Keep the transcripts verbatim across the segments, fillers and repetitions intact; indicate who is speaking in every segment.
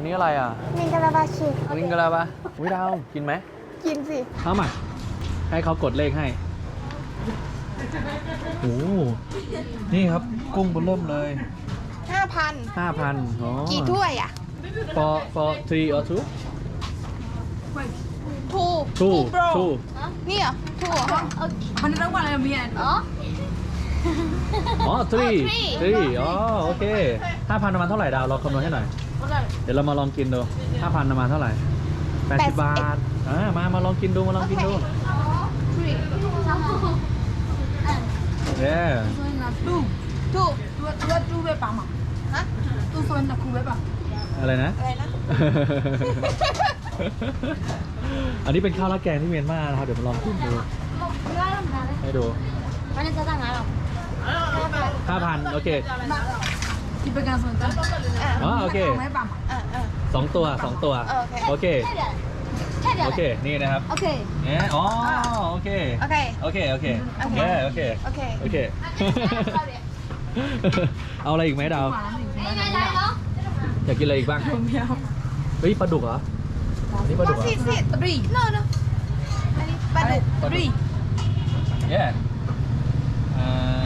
Speaker 1: นนี้อะไรอ่ะ
Speaker 2: มิงกะลาบาชิ
Speaker 1: วิงกะลาปะวิดาวกินไหม
Speaker 2: กินสิ
Speaker 1: เข้ามาให้เขากดเลขให้โอ้นี่ครับกุ้งเริ่มเลย
Speaker 2: ห้าพัน
Speaker 1: ห้าพันอ๋อ
Speaker 2: กี่ถ้วยอ่ะ
Speaker 1: for for three or two
Speaker 2: ทู
Speaker 1: two
Speaker 2: โปร
Speaker 1: two
Speaker 2: นี่เหรอทูเหรอ
Speaker 3: มันต้องวันอะไรเมียนอ๋อ
Speaker 1: อ๋อ three
Speaker 2: three
Speaker 1: three อ๋อโอเคห้าพันประมาณเท่าไหร่ดาวเราคำนวณให้หน่อยเดี๋ยวเรามาลองกินดูห้าพันประมาณเท่าไหร่แปดสิบบาทอ่ามามาลองกินดูมาลองกินดูเย้
Speaker 3: ดู
Speaker 2: ทู
Speaker 3: ดูดูดูเว็บปั๊มอ่ะ
Speaker 2: ฮะ
Speaker 3: ดูโซนตะคูเว็บอ่ะ
Speaker 1: อะไรนะ
Speaker 2: อะไรนะ
Speaker 1: อันนี้เป็นข้าวราดแกงที่เมียนมานะครับเดี๋ยวมาลองกินดูให้ดู
Speaker 4: Mana saya nggak loh.
Speaker 1: ห้าพันโอเค
Speaker 3: ที่เป็นการโซนตะ
Speaker 1: อ๋อโอเค
Speaker 3: เว็บปั๊มอ่ะ
Speaker 2: อ่าอ่า
Speaker 1: สองตัวสองตัว
Speaker 2: โอเค
Speaker 1: โอเคโอเคนี่นะครับ
Speaker 4: Oke.
Speaker 1: เนี่ยอ๋อโอเค
Speaker 2: โอเค
Speaker 1: โอเคโอเค
Speaker 2: โอเค
Speaker 1: เย้โอเค
Speaker 2: โอเค
Speaker 1: โอเค เอาอะไรอีกไหมดาว
Speaker 4: Ini nggak loh.
Speaker 1: อยากกินอะไรอีกบ้างเฮ้ยปลาดุกเหรอนี่ปลาดุกเหรอ
Speaker 2: สิสิตรีโน่โน่อันนี้ปลาดุก
Speaker 1: ปลาดุกเย้อ่า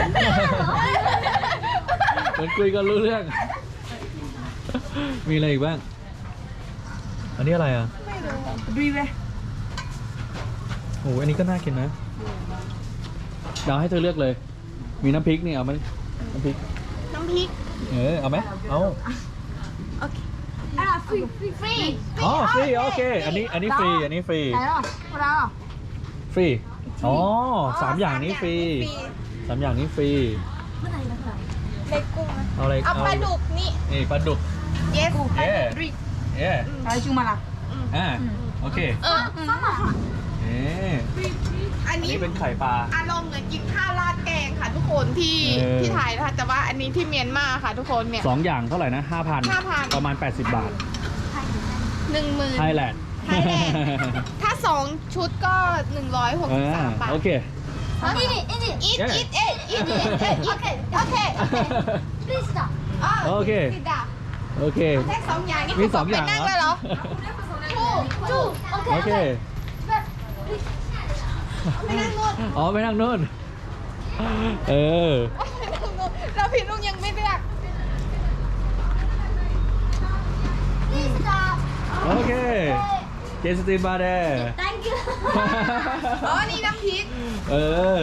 Speaker 1: เหมือนคุยกันรู้เรื่อง มีอะไรอีกบ้าง อันนี้อะไรอ่ะ
Speaker 3: ดูเว็บ
Speaker 1: โอ้โหอันนี้ก็น่ากินนะดาวให้เธอเลือกเลย มีน้ำพริกนี่เอาไหมน้ำพริก
Speaker 2: น้ำพริก
Speaker 1: เออเอาไหมเอา
Speaker 2: โอเค
Speaker 3: อ่ะฟรีฟรีฟรี
Speaker 1: อ๋อฟรีโอเค อันนี้อันนี้ฟรี อันนี้ฟรี
Speaker 3: ไหนอ่ะพวกเรา
Speaker 1: ฟรี อ๋อสามอย่างนี้ฟรีสามอย่างนี้ฟรี
Speaker 2: เล็กกุ้งนะ
Speaker 1: เอาอะไร
Speaker 2: เอาปลาดุกนี่
Speaker 1: นี่ปลาดุก
Speaker 2: yes
Speaker 1: เย้
Speaker 2: ดริก
Speaker 1: เย้
Speaker 3: อะไรจุมาล่ะ
Speaker 1: อ่าโอเค
Speaker 2: เออ
Speaker 1: เอ๊ะ
Speaker 2: อัน
Speaker 1: อัน
Speaker 2: นี้
Speaker 1: นี้เป็นไข่ปลา
Speaker 2: อารมณ์เหมือนกินข้าวราดแกงค่ะทุกคนที่
Speaker 1: เออ
Speaker 2: ที่ไทยนะคะแต่ว่าอันนี้ที่เมียนมาค่ะทุกคนเนี่ย
Speaker 1: สองอย่างเท่าไหร่นะห้าพัน
Speaker 2: ห้าพัน
Speaker 1: ประมาณแปดสิบบาท
Speaker 2: หนึ่งหมื่น
Speaker 1: ไทยแลนด์
Speaker 2: ไทยแลนด์ถ้าสองชุดก็หนึ่งร้อยหกสิบสามบาท
Speaker 1: โอเค
Speaker 4: Ini ini.
Speaker 2: อีท
Speaker 1: Yeah.
Speaker 2: อีทเอ็ดอีทเอ็ดเอ็ดโอเคโอเค
Speaker 4: Please stop.
Speaker 1: โอเค
Speaker 2: ติดดาบ
Speaker 1: โอเค
Speaker 2: แค่สองอย่างนี่
Speaker 1: มี
Speaker 2: คือ
Speaker 1: สองอย่าง
Speaker 2: ไปนั่ง
Speaker 1: เหรอ
Speaker 2: เลยเหรอถูกถูก
Speaker 4: Oke.
Speaker 1: โอเค
Speaker 2: ไม่นั่งนู่น
Speaker 1: อ๋อไปนั่งนู่น เออ
Speaker 2: ไม่นั่งนู่นเราพี่นุ่งยังไม่เลือก
Speaker 4: Please stop.
Speaker 1: โอเค เจสตินมาเด้
Speaker 4: Thank you.
Speaker 2: อ๋อนี่น้ำพริก
Speaker 1: เออ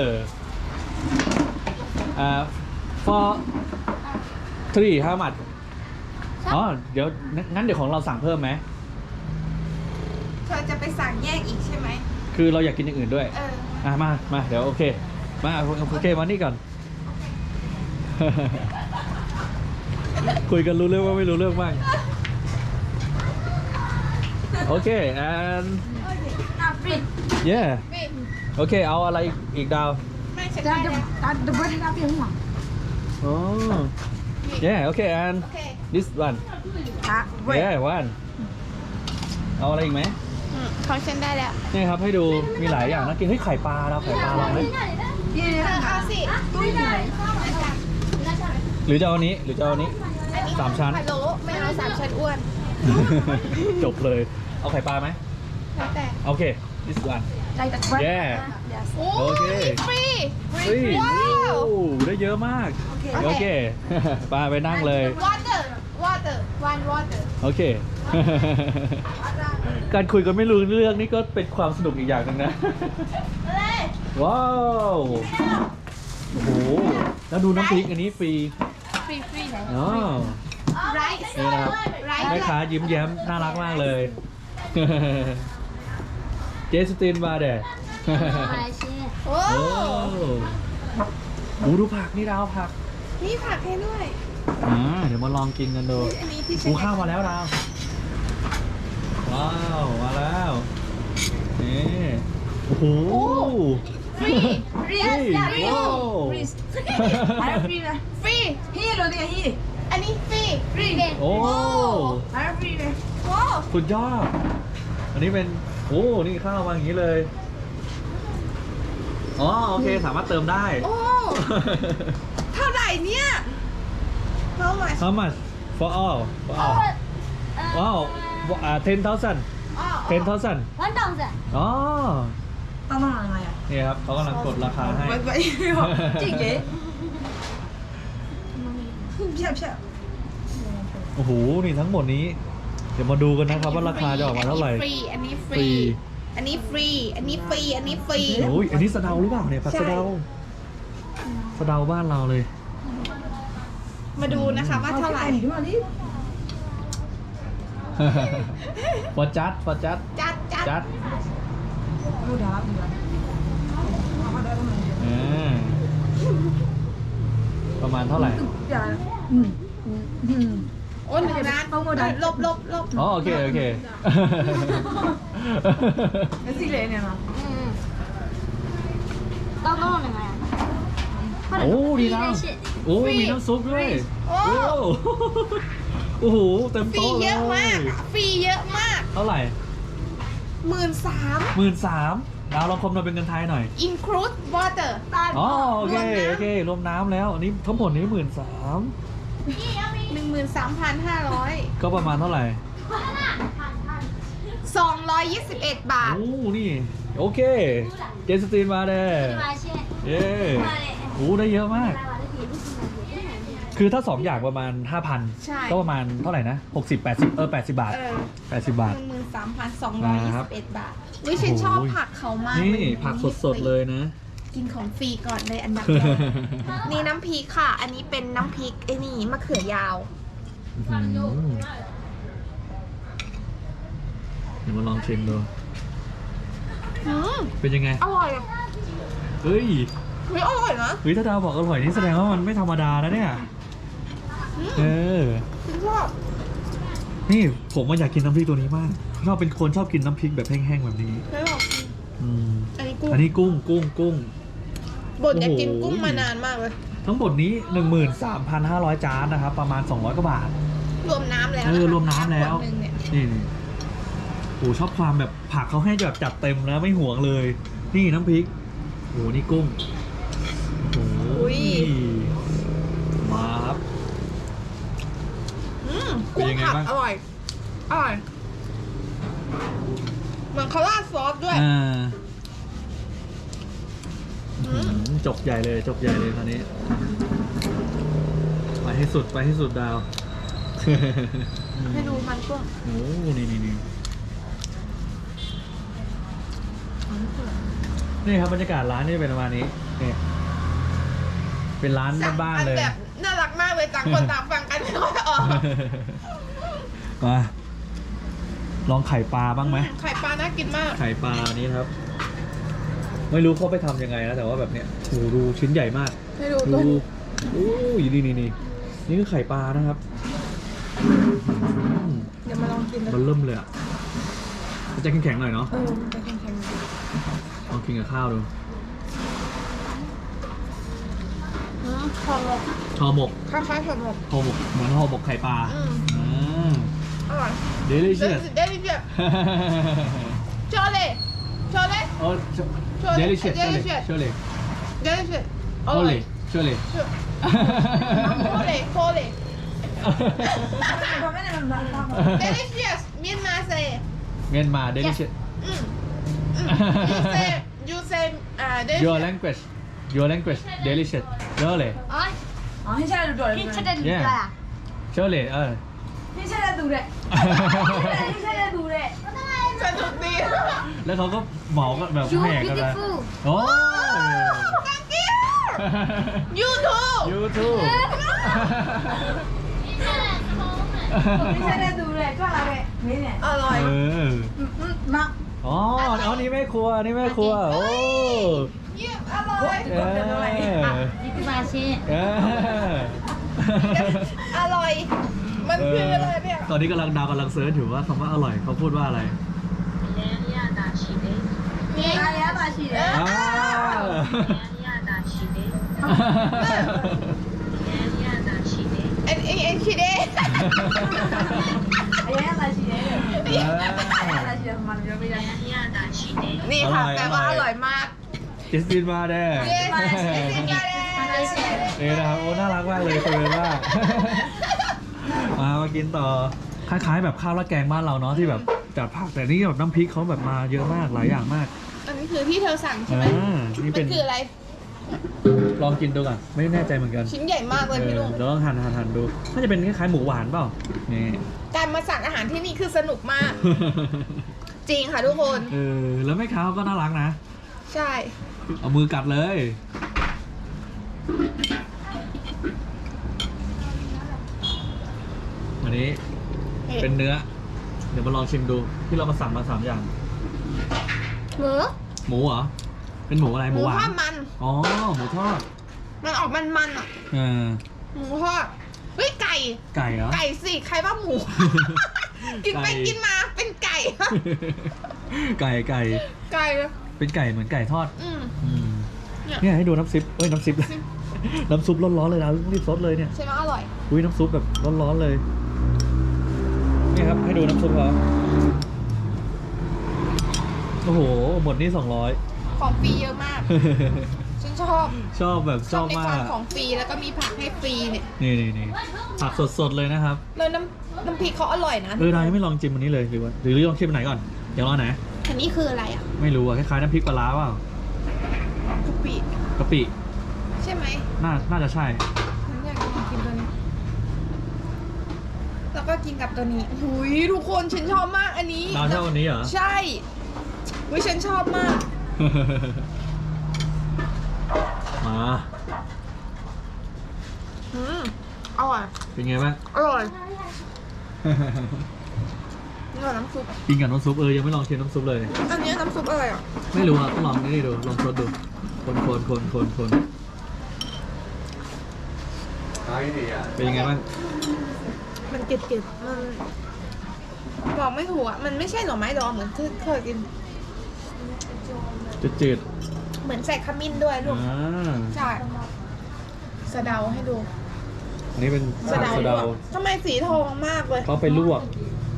Speaker 1: อ่า for three how much อ๋อ เดี๋ยว งั้นเดี๋ยวของเราสั่งเพิ่มไหม
Speaker 2: เธอจะไปสั่งแยกอีกใช่ไหม
Speaker 1: คือเราอยากกินอย่างอื่นด้วย
Speaker 2: เออ
Speaker 1: อ่ะมา มา เดี๋ยวโอเค มาโอเค มานี่ก่อน คุยกันรู้เรื่องว่าไม่รู้เรื่องบ้าง โอเค and
Speaker 3: อ่ะฟรี
Speaker 1: yeah
Speaker 2: พี่
Speaker 1: โอเค เอาอะไรอีกดาว
Speaker 2: ไม่ฉัน
Speaker 3: แต่
Speaker 2: ได้
Speaker 3: เดี๋ยว
Speaker 2: แล้ว
Speaker 3: แต่เดี๋ยวเว็บที่เราเปลี่ยนหัว
Speaker 1: อ๋อ yeah โอเค and
Speaker 2: โอเค
Speaker 1: this one
Speaker 3: อ่ะเว็บ
Speaker 1: yeah one เอาอะไรอีกไหม
Speaker 2: อืมของฉันได้แล้ว
Speaker 1: นี่ครับให้ดู มีหลายอย่างนะกินเฮ้ยไข่ปลาเราไข่ปลาลองไหม
Speaker 3: ยี่
Speaker 2: เธ
Speaker 3: นี่
Speaker 2: อเอาสิ
Speaker 3: ตุ้ยอยู่ไหน
Speaker 1: หรือจะเอาอันนี้ หรือจะเอาอันนี้
Speaker 2: อันนี้
Speaker 1: สามชั้น
Speaker 2: พะโล้ไม่เอาสามชั้นอ้วน
Speaker 1: จบเลย เอาไข่ปลาไหม
Speaker 2: แล้วแต่
Speaker 1: โอเค this one
Speaker 3: ใจแต่เว็บ
Speaker 1: yeah
Speaker 2: โอ้
Speaker 1: โอเค
Speaker 2: ฟรี
Speaker 1: เฮ้ย
Speaker 2: ว้าว
Speaker 1: โอ้ได้เยอะมาก โอเค ปลาไปนั่งเลย
Speaker 2: water water one water
Speaker 1: โอเค การคุยกันไม่รู้เรื่องนี่ก็เป็นความสนุกอีกอย่างหนึ่งนะ ว้าว โอ้โห แล้วดูน้ำพริกอันนี้ฟรี
Speaker 2: ฟรีฟรี
Speaker 1: อ๋อ
Speaker 2: rice
Speaker 1: นี่นะครับ
Speaker 2: rice
Speaker 1: แม่ค้ายิ้มแย้มน่ารักมากเลย เจสตินมาเด้
Speaker 4: Malaysia.
Speaker 2: โอ้
Speaker 1: โอ้โหดูผักนี่ดาวผัก
Speaker 2: มีผักให้ด้วย
Speaker 1: อ่าเดี๋ยวมาลองกินกันดู
Speaker 2: อันนี้ที่ฉั
Speaker 1: หู
Speaker 2: น
Speaker 1: ข้าวมาแล้วดาว ว้าว มาแล้ว นี่ โอ้โห
Speaker 2: ฟรี
Speaker 3: ฟรี
Speaker 1: เฮ้ย
Speaker 3: ฟรี
Speaker 1: ว้าว
Speaker 3: ฟรีอะไรฟรีเลย
Speaker 2: ฟรี
Speaker 3: ฮีโร่เดียวฮี
Speaker 2: อันนี้ฟรีฟรี
Speaker 1: โอ้
Speaker 3: อะไรฟรีเลย
Speaker 2: โอ้
Speaker 1: สุดยอด อันนี้เป็น โอ้ นี่ข้าวมาอย่างนี้เลย อ๋อ โอเค สามารถเติมได้
Speaker 2: โอ้เท่าไหร่เนี่ย How much
Speaker 1: How much for all for all
Speaker 4: Uh,
Speaker 1: ว้าวอ่าten thousand
Speaker 2: อ๋อ
Speaker 1: ten thousand
Speaker 4: one thousand
Speaker 1: อ๋อ
Speaker 3: ต้องต้องอะไรอ่ะ
Speaker 1: นี่ครับเขากำลังกดราคาให้
Speaker 3: ไว้ไว้จริงเก๋เพี้ยเพี้ย
Speaker 1: โอ้โห นี่ทั้งหมดนี้ เดี๋ยวมาดูกันนะครับว่าราคาจะออกมาเท่าไหร่
Speaker 2: ฟรีอันนี้ฟ
Speaker 1: ฟรี
Speaker 2: รี อันนี้ฟรี อันนี้ฟรี อันนี้ฟรี
Speaker 1: โอ้ย อันนี้สะเดาหรือเปล่าเนี่ยผักสะเดาสะเดาบ้านเราเลย
Speaker 2: มาดูนะคะว่าเท่าไหร่
Speaker 3: หนีขึ้นมาดิ
Speaker 1: ฟอจัดฟอจัด
Speaker 2: จัดจัด
Speaker 1: จัด
Speaker 3: ดูดาบดูดาบเขาได้ประมาณ
Speaker 1: อ่าประมาณเท่าไหร่
Speaker 3: อย่าอืมอืม
Speaker 2: โอ้หนึ่งล้าน
Speaker 3: เอาหมดเลย
Speaker 2: ลบลบลบ
Speaker 1: อ๋อ โอเค โอเค
Speaker 3: แล้วสิเลยเนี่ยนะ
Speaker 4: อืมต้องต้องยังไงอ่ะ
Speaker 1: โอ้ดีนะ
Speaker 4: ได้ชิด
Speaker 1: โอ้ มีน้ำซุปด้วย
Speaker 2: โอ้
Speaker 1: โอ้โห เต็ม
Speaker 2: ฟรี
Speaker 1: โต๊ะเล
Speaker 2: เย
Speaker 1: ย
Speaker 2: อะมาก ฟรีเยอะมาก
Speaker 1: เท่าไหร่
Speaker 2: หมื่นสาม
Speaker 1: หมื่นสามดาวลองคำนวณเป็นเงินไทยหน่อย
Speaker 2: include water
Speaker 1: อ๋อ โอเค โอเค รวมน้ำแล้ว อันนี้ทั้งหมดนี้หมื่นสาม
Speaker 2: หนึ่งหมื่นสามพันห้าร้อย
Speaker 1: ก็ประมาณเท่าไหร่
Speaker 2: สองร้อยยี่สิบเอ็ดบาท
Speaker 1: โอ้ นี่ โอเค เจสตินมาเด้
Speaker 4: มาเช่น
Speaker 1: เย้โอ้ได้เยอะมาก คือถ้าสองอย่างประมาณ ห้าพัน
Speaker 2: ใช่
Speaker 1: ก็ประมาณเท่าไหร่นะ หกสิบ แปดสิบ เออ แปดสิบบาท
Speaker 2: เออ
Speaker 1: แปดสิบบาท
Speaker 2: หนึ่งหมื่นสามพันสองร้อยยี่สิบเอ็ดบาทวิฉันชอบผักเขามาก
Speaker 1: นี่
Speaker 2: เลย
Speaker 1: ผักสดๆเลยนะ
Speaker 2: กินของฟรีก่อนเลยอันดับแรก นี่น้ำพริกค่ะ อันนี้เป็นน้ำพริกไอ้นี่มะเขือยาว
Speaker 1: อื้อหือเดี๋ยวมาลองชิมดู
Speaker 2: อืม
Speaker 1: เป็นยังไง
Speaker 2: อร่อย
Speaker 1: เฮ้ย
Speaker 2: เฮ้ยอร่อยนะ
Speaker 1: เฮ้ย ถ้าดาวบอกอร่อยนี่แสดงว่ามันไม่ธรรมดานะเนี่ย เออ
Speaker 2: ฉันชอบ
Speaker 1: นี่ผมว่าอยากกินน้ำพริกตัวนี้มากชอบเป็นคนชอบกินน้ำพริกแบบแห้งๆแบบนี้
Speaker 2: ฉันชอบ
Speaker 1: อืม
Speaker 2: อันนี้กุ้ง
Speaker 1: อันนี้กุ้งกุ้งกุ้ง
Speaker 2: บดอยากกิน
Speaker 1: โอ้โห
Speaker 2: กุ้งมานานมากเลย
Speaker 1: ทั้งหมดนี้ หนึ่งหมื่นสามพันห้าร้อย จานนะครับ ประมาณ สองร้อยกว่าบาท
Speaker 2: รวมน้ำแล้ว
Speaker 1: เออ
Speaker 2: นะคะ
Speaker 1: รวมน้ำแล้ว
Speaker 2: ขดหนึ่งเนี่ย
Speaker 1: นี่นี่โอ้ชอบความแบบผักเขาให้แบบจัดเต็มนะไม่ห่วงเลย นี่น้ำพริกโอ้นี่กุ้งโอ้
Speaker 2: อุ้ย
Speaker 1: มาครับ
Speaker 2: อืม
Speaker 1: เป็น
Speaker 2: กุ้ง
Speaker 1: ยังไง
Speaker 2: ผัด
Speaker 1: บ้าง
Speaker 2: อร่อย อร่อย เหมือนเขาราดซอสด้วย
Speaker 1: อ่า
Speaker 2: อืม
Speaker 1: อืมจกใหญ่เลยจกใหญ่เลยคราวนี้ไปให้สุดไปให้สุดดาว
Speaker 2: ให้ดูมันกุ้ง
Speaker 1: โอ้นี่นี่นี่นี่ครับบรรยากาศร้านนี่เป็นประมาณนี้นี่เป็นร้านบ้านๆเลย
Speaker 2: แบบน่ารักมากเลยต่างคนต่างฟังกันไม่ค่อยออก
Speaker 1: มาลองไข่ปลาบ้างไหม
Speaker 2: ไข่ปลาน่ากินมาก
Speaker 1: ไข่ปลานี้ครับ ไม่รู้เขาไปทำยังไงนะแต่ว่าแบบเนี้ยโหดูชิ้นใหญ่มาก
Speaker 2: ให้ดู
Speaker 1: ดู
Speaker 2: ตัว
Speaker 1: โอ้ยนี่นี่นี่นี่คือไข่ปลานะครับอืม
Speaker 2: เดี๋ยวมาลองกินนะ
Speaker 1: มันเริ่มเลยอ่ะมันจะแข็งๆหน่อยเนาะ
Speaker 2: เออจะแข็ง
Speaker 1: ลองกินกับข้าวดู
Speaker 2: ๆอืมหอมหมก
Speaker 1: ห่อหมก
Speaker 2: คล้ายๆหอมหมก
Speaker 1: ห่อหมกเหมือนห่อหมกไข่ปลา
Speaker 2: อืม
Speaker 1: อ่า
Speaker 2: อร่อย
Speaker 1: delicious
Speaker 2: เดลิเชียสโชเล่โชเล่
Speaker 1: โอ้
Speaker 2: Surely,
Speaker 1: delicious
Speaker 2: delicious.
Speaker 1: surely
Speaker 2: เดลิเชียสอร่อย
Speaker 1: surely surely
Speaker 2: โชเล่โชเล่
Speaker 3: ทำไม่ได้มันมันมัน
Speaker 2: delicious เมียนมาเซ
Speaker 1: เมียนมา delicious
Speaker 2: อืมอืม you say you say อ่า
Speaker 1: your
Speaker 2: delicious
Speaker 1: language your language delicious surely
Speaker 4: อ๋อ
Speaker 3: อ๋อให้ใช่ดูด้วย
Speaker 4: พี่จะได้ดูอะไรอ่ะ
Speaker 1: surely เออ
Speaker 3: ให้ใช่ดูด้วยให้ใช่ดูด้วย
Speaker 2: สนุกดี
Speaker 1: แล้วเขาก็เหมาก็แบบ
Speaker 4: You
Speaker 1: แหกกันนะ
Speaker 4: beautiful
Speaker 1: โอ้
Speaker 2: thank you you too
Speaker 1: you too
Speaker 3: ให้ใช่ดูด้วยก็อะไรนี่เนี่ย
Speaker 2: อร่อย
Speaker 1: เออ
Speaker 3: มา
Speaker 1: อ๋ออ๋อนี่แม่ครัวนี่แม่ครัวโอ้
Speaker 2: เยี่ยมอร่อย
Speaker 1: เออ
Speaker 4: นี่คือมาเช่
Speaker 1: เออ
Speaker 2: อร่อย มันคืออะไรเนี่ย
Speaker 1: ตอนนี้กำลังดาวกำลังเซิร์ชอยู่ว่าคำว่าอร่อยเขาพูดว่าอะไร
Speaker 2: นี่
Speaker 3: อะไรอะมาชีเด้
Speaker 1: อ้าว
Speaker 2: เอ็นเอ็นเอ็นคิดเอง
Speaker 3: อะไรอะมาชีเด้อะไรชีมันเยอะไม่ได้
Speaker 2: นี่ค่ะแปลว่าอร่อยมาก
Speaker 1: คริสตินมาแน่
Speaker 2: เย้มาสิสิมาเลย
Speaker 1: นี่นะครับโอ้น่ารักมากเลยคุยกันมากมามากินต่อคล้ายๆแบบข้าวราดแกงบ้านเราเนาะที่แบบจัดผักแต่นี่แบบน้ำพริกเขาแบบมาเยอะมากหลายอย่างมาก
Speaker 2: อันนี้คือที่เธอสั่งใช่ไหม
Speaker 1: อ่านี่
Speaker 2: มั
Speaker 1: เป็น
Speaker 2: นคืออะไร
Speaker 1: ลองกินดูก่อนไม่แน่ใจเหมือนกัน
Speaker 2: ชิ้นใหญ่มากเลยพี่ลุง
Speaker 1: เดี๋ยวลองหั่นหั่นหั่นดูน่าจะเป็นคล้ายๆหมูหวานเปล่านี่
Speaker 2: การมาสั่งอาหารที่นี่คือสนุกมาก จริงค่ะทุกคน
Speaker 1: เออแล้วแม่ค้าก็น่ารักนะ
Speaker 2: ใช่
Speaker 1: เอามือกัดเลย อันนี้เป็นเนื้อ เดี๋ยวมาลองชิมดู ที่เรามาสั่งมาสามอย่าง
Speaker 2: หมู
Speaker 1: หมูเหรอ เป็นหมูอะไร
Speaker 2: ห
Speaker 1: ห
Speaker 2: มู
Speaker 1: มูหวา
Speaker 2: ทอน ดมัน
Speaker 1: อ๋อ หมูทอด
Speaker 2: มันออกมันๆอ่ะ
Speaker 1: เออ
Speaker 2: หมูทอดเฮ้ยไก่
Speaker 1: ไก่เหรอ
Speaker 2: ไก่สิใครว่าหมู กินไป
Speaker 1: ไก่
Speaker 2: กินมาเป็นไก่
Speaker 1: ไก่ไก่
Speaker 2: ไก่
Speaker 1: เป็นไก่เหมือนไก่ทอด
Speaker 2: อืม
Speaker 1: อืม
Speaker 2: เนี่ย
Speaker 1: เนี่ยให้ดูน้ำซิปเอ้ยน้ำซิป น้ำซุปร้อนๆเลยนะรีบซดเลยเนี่ย
Speaker 2: ใช่ไหมอร่อย
Speaker 1: อุ้ยน้ำซุปแบบร้อนๆเลย นี่ครับให้ดูน้ำซุปเขาโอ้โห หมดนี่สองร้อย
Speaker 2: ของฟรีเยอะมาก ฉันชอบ
Speaker 1: ชอบแบบชอบ
Speaker 2: ใน
Speaker 1: มา
Speaker 2: ความ
Speaker 1: ก
Speaker 2: ของฟรีแล้วก็มีผักให้ฟรีเนี่ย
Speaker 1: นี่นี่นี่ผักสดๆเลยนะครับ
Speaker 2: แล้วน้ำน้ำพริกเขาอร่อยนะ
Speaker 1: เออดายังไม่ลองจิ้มอันนี้เลยหรือว่าหรือลองชิมอันไหนก่อนเดี๋ยวรอไหน
Speaker 2: อันนี้คืออะไรอ่ะ
Speaker 1: ไม่รู้อะคล้ายๆน้ำพริกปลาร้าเปล่าก
Speaker 2: ะปิ
Speaker 1: กะปิ
Speaker 2: ใช่ไหม
Speaker 1: น่าน่าจะใช่
Speaker 2: ฉันอยากลองกินตัวนี้ แล้วก็กินกับตัวนี้หุยทุกคนฉันชอบมากอันนี้
Speaker 1: ดาวชอบอันนี้เหรอ
Speaker 2: ใช่วิฉันชอบมาก
Speaker 1: มา
Speaker 2: อืมอร่อย
Speaker 1: เป็นไงบ้าง
Speaker 2: อร่อยนี่กับน้ำซุป
Speaker 1: กินกับน้ำซุปเออยังไม่ลองชิมน้ำซุปเลย
Speaker 2: อันนี้น้ำซุปอะไรอ่ะ
Speaker 1: ไม่รู้อ่ะต้องลองนี่ดูลองซดดูคนคนคนคนคนเป็นยังไงบ้าง
Speaker 2: มันเก็ดๆมันบอกไม่ถูกอ่ะ มันไม่ใช่หน่อไม้ดองเหมือนที่เคยกิน
Speaker 1: จืดจืด
Speaker 2: เหมือนใส่ขมิ้นด้วยลูก
Speaker 1: อ่า
Speaker 2: ใช่สะเดาให้ดู
Speaker 1: อันนี้เป็น
Speaker 2: สะ
Speaker 1: ผัก
Speaker 2: เดา
Speaker 1: สะเดา
Speaker 2: ด้วยทำไมสีทองมากเลย
Speaker 1: เขาไปลวก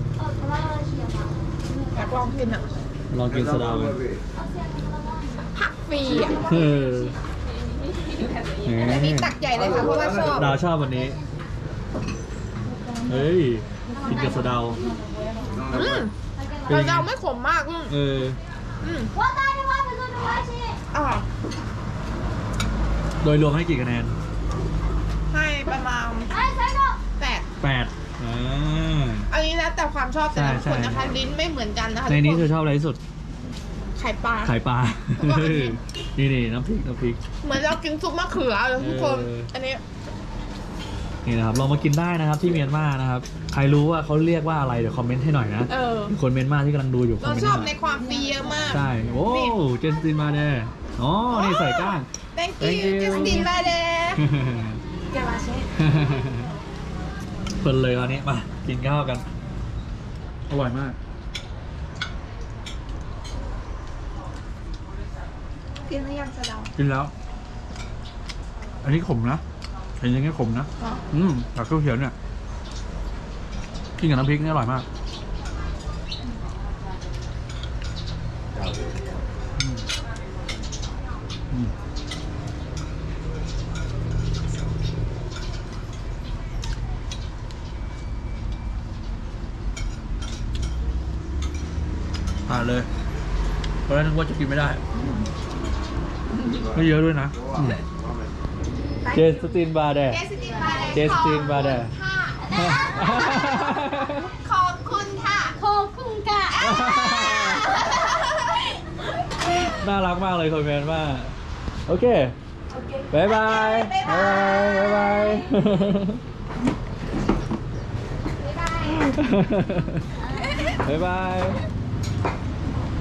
Speaker 2: อยากลองกินอ่ะ
Speaker 1: ลองกินสะเดากัน
Speaker 2: ผักฟรีอ่ะ
Speaker 1: เออ
Speaker 2: อันนี้ตักใหญ่เลยค่ะเพราะว่าชอบ
Speaker 1: ดาวชอบวันนี้เฮ้ยกินกับสะเดา
Speaker 2: อืม
Speaker 1: เป็นยังไง
Speaker 2: สะเดาไม่ขมมากอืม
Speaker 1: เออ
Speaker 2: อืม
Speaker 4: 我打电话给我的关系。
Speaker 2: อร่อย
Speaker 1: โดยรวมให้กี่คะแนน
Speaker 2: ให้ประมาณ
Speaker 4: 哎，三个。
Speaker 2: แปด
Speaker 1: แปดอ่า
Speaker 2: อันนี้แล้วแต่ความชอบแต่ละ
Speaker 1: ใช่
Speaker 2: คนนะคะ
Speaker 1: ใช่
Speaker 2: ลิ้นไม่เหมือนกันนะคะ
Speaker 1: ในนี้เธ
Speaker 2: ทุ
Speaker 1: อก
Speaker 2: ค
Speaker 1: ชอบอะไรที่สุด
Speaker 2: ไข่ปลา
Speaker 1: ไข่ปลา
Speaker 2: แล้วก็อันนี้
Speaker 1: นี่นี่น้ำพริกน้ำพริก
Speaker 2: เหมือนเรากินซุปมะเขือเลยทุกคน
Speaker 1: เอออั
Speaker 2: อันนี้
Speaker 1: นี่นะครับลองมากินได้นะครับที่เมียนมานะครับใครรู้ว่าเขาเรียกว่าอะไรเดี๋ยวคอมเมนต์ให้หน่อยนะ
Speaker 2: เออ
Speaker 1: มีคนเมียนมาที่กำลังดูอยู่คอม
Speaker 2: เรา
Speaker 1: เมนต์
Speaker 2: ชอบ
Speaker 1: ให้ห
Speaker 2: ใน
Speaker 1: น่อย
Speaker 2: ความฟรีเยอะมาก
Speaker 1: ใช่โอ้
Speaker 2: นี่
Speaker 1: เจสตินมาเน่อ๋อนี่ใส่ก้าง
Speaker 2: thank
Speaker 1: Thank
Speaker 2: you
Speaker 1: you
Speaker 2: จัสตินมาเด้เกลาเช่
Speaker 1: เพลินเลยวันนี้มากินข้าวกันอร่อยมาก
Speaker 2: กินหรือยังสะเดา
Speaker 1: กินแล้ว อันนี้ขมนะเห็นอย่างนี้ขมนะ
Speaker 2: อ๋อ
Speaker 1: อืมผักเขียวๆเนี่ยกินกับน้ำพริกนี่อร่อยมากอืมอืมผ่านเลยเพราะฉะนั้นนึกว่าจะกินไม่ได้ไม่เยอะด้วยนะอืมเจสตินบาร์แด
Speaker 2: เจสตินมาเด้
Speaker 1: เจสตินมาเด้
Speaker 2: ขอบคุณค่ะ
Speaker 4: ขอบคุณค่ะ
Speaker 1: น่ารักมากเลยคนเมียนมาโอเคบายบายบายบายบายบายบายบาย